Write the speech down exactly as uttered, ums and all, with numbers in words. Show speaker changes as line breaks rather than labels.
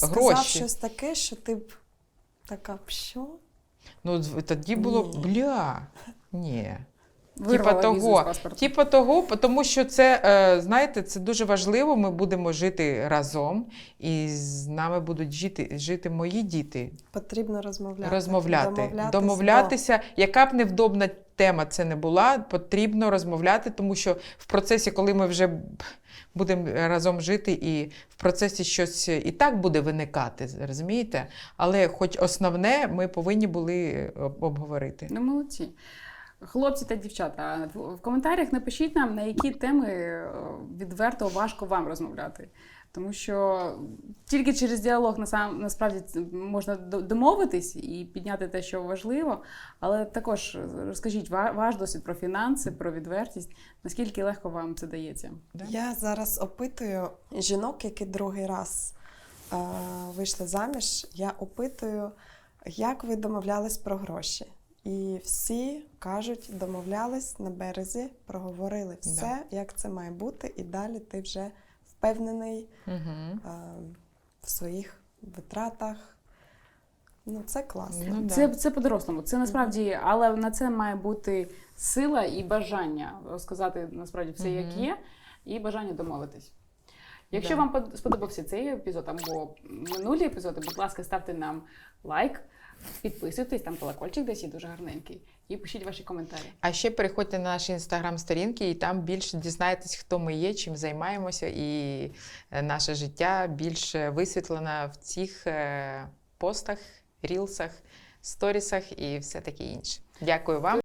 сказав
гроші.
щось таке, що ти б така, що?
Ну, тоді було,
Ні.
бля, ні. Типа
Вирвала візу з
того,
паспорту.
типа того, тому що це, е, знаєте, це дуже важливо, ми будемо жити разом, і з нами будуть жити, жити мої діти.
Потрібно розмовляти.
Розмовляти,
Домовлятись
домовлятися, яка б невдобна тема це не була, потрібно розмовляти, тому що в процесі, коли ми вже будемо разом жити, і в процесі щось і так буде виникати, розумієте? Але хоч основне ми повинні були об- обговорити.
Ну, молодці. Хлопці та дівчата, в в коментарях напишіть нам, на які теми е, відверто важко вам розмовляти. Тому що тільки через діалог насам- насправді це можна до- домовитись і підняти те, що важливо. Але також розкажіть ва- ваш досвід про фінанси, про відвертість, наскільки легко вам це дається.
Да?
Я зараз опитую жінок, які другий раз е, вийшли заміж. Я опитую, як ви домовлялись про гроші. І всі кажуть, домовлялись на березі, проговорили все, як це має бути, і далі ти вже впевнений
Угу.
е, в своїх витратах. Ну, це класно.
Ну, да.
Це, це по-дорослому. Це насправді, але на це має бути сила і бажання розказати насправді все, як
Мгм.
є, і бажання домовитись. Якщо
Да.
вам под- сподобався цей епізод або минулі епізоди, будь ласка, ставте нам лайк, підписуйтесь, там колокольчик десь є дуже гарненький, і пишіть ваші коментарі.
А ще переходьте на наші інстаграм-сторінки, і там більше дізнаєтесь, хто ми є, чим займаємося, і е, наше життя більш висвітлено в цих е, постах, рілсах, сторісах і все таке інше. Дякую вам.